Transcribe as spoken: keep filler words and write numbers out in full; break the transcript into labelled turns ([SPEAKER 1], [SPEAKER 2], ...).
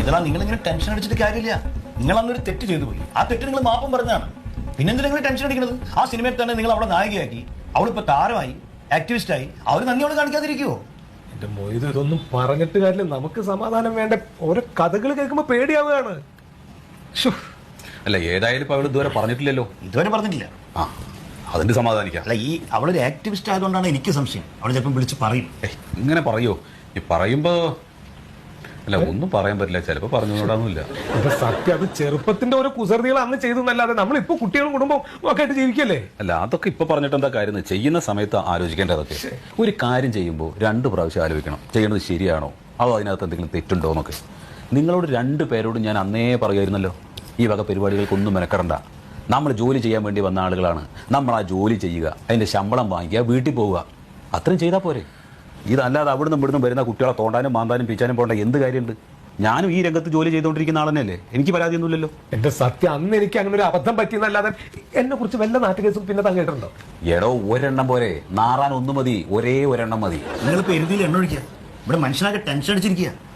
[SPEAKER 1] ഇതാ നിങ്ങളിങ്ങനെ ടെൻഷൻ അടിച്ചിട്ട് കാര്യമില്ല. നിങ്ങൾ അന്നൊരു തെറ്റ് ചെയ്തു പോയി. ആ തെറ്റ് നിങ്ങൾ മാപ്പം പറഞ്ഞതാണ്. പിന്നെന്തിനാ നിങ്ങൾ ടെൻഷൻ അടിക്കുന്നത്? ആ സിനിമയിൽ തന്നെ നിങ്ങൾ അവളെ നായികയാക്കി, അവളിപ്പോ താരമായി, ആക്ടിവിസ്റ്റായി. അവർ നന്ദി അവള് കാണിക്കാതിരിക്കുവോ?
[SPEAKER 2] എന്റെ മൊയ്ത്, ഇതൊന്നും പറഞ്ഞിട്ട് കാര്യമില്ല. നമുക്ക് സമാധാനം വേണ്ട. ഓരോ കഥകൾ കേൾക്കുമ്പോ പേടിയാവുകയാണ്.
[SPEAKER 3] അല്ല, ഏതായാലും ഇപ്പൊ അവൾ ഇതുവരെ പറഞ്ഞിട്ടില്ലല്ലോ.
[SPEAKER 1] ഇതുവരെ പറഞ്ഞിട്ടില്ല.
[SPEAKER 3] ആ, അതിന്റെ സമാധാനിക്കാം.
[SPEAKER 1] അല്ല, ഈ അവളൊരു ആക്ടിവിസ്റ്റ് ആയതുകൊണ്ടാണ് എനിക്ക് സംശയം. അവൾ ചിലപ്പം വിളിച്ച് പറയും.
[SPEAKER 3] ഇങ്ങനെ പറയോ? ഈ പറയുമ്പോ അല്ല, ഒന്നും പറയാൻ പറ്റില്ല. ചിലപ്പോ പറഞ്ഞുകൂടാന്നില്ല.
[SPEAKER 2] ഇപ്പൊ സത്യം, അത് ചെറുപ്പത്തിന്റെ ഓരോ കുസൃതികൾ അന്ന് ചെയ്തെന്നല്ലാതെ നമ്മളിപ്പോ കുട്ടികളും കുടുംബം ഒക്കെ ആയിട്ട് ജീവിക്കല്ലേ.
[SPEAKER 3] അല്ല, അതൊക്കെ ഇപ്പൊ പറഞ്ഞിട്ട് എന്താ കാര്യം? ചെയ്യുന്ന സമയത്ത് ആലോചിക്കേണ്ടതൊക്കെ. ഒരു കാര്യം ചെയ്യുമ്പോൾ രണ്ട് പ്രാവശ്യം ആലോചിക്കണം, ചെയ്യണത് ശരിയാണോ, അതോ അതിനകത്ത് എന്തെങ്കിലും തെറ്റുണ്ടോ എന്നൊക്കെ. നിങ്ങളോട് രണ്ട് പേരോടും ഞാൻ അന്നേ പറയുമായിരുന്നല്ലോ, ഈ വക പരിപാടികൾക്കൊന്നും മെനക്കെടണ്ട. നമ്മൾ ജോലി ചെയ്യാൻ വേണ്ടി വന്ന ആളുകളാണ്. നമ്മൾ ആ ജോലി ചെയ്യുക, അതിന്റെ ശമ്പളം വാങ്ങിക്കുക, വീട്ടിൽ പോവുക, അത്രയും ചെയ്താൽ പോരെ. ഇതല്ലാതെ അവിടുന്ന് ഇവിടുന്ന് വരുന്ന കുട്ടികളെ തോണ്ടാനും മാന്താനും പിച്ചാനും പോകേണ്ട എന്ത് കാര്യമുണ്ട്? ഞാനും ഈ രംഗത്ത് ജോലി ചെയ്തുകൊണ്ടിരിക്കുന്ന ആൾ തന്നെയല്ലേ, എനിക്ക് പരാതിയൊന്നുമില്ലല്ലോ.
[SPEAKER 2] എന്റെ സത്യം, അന്ന് എനിക്ക് അങ്ങനെ ഒരു അബദ്ധം പറ്റിയെന്നല്ലാതെ എന്നെ കുറിച്ച് വല്ല നാട്ടുകേസും പിന്നെ തങ്ങിയിട്ടുണ്ടോ?
[SPEAKER 3] എടോ, ഒരെണ്ണം പോരെ, നാറാൻ ഒന്ന് മതി, ഒരേ ഒരെണ്ണം മതി.
[SPEAKER 1] നിങ്ങളിപ്പോ എരുതിയിൽ എണ്ണ ഒഴിക്കുക. ഇവിടെ മനുഷ്യനാകെ ടെൻഷൻ അടിച്ചിരിക്കുക.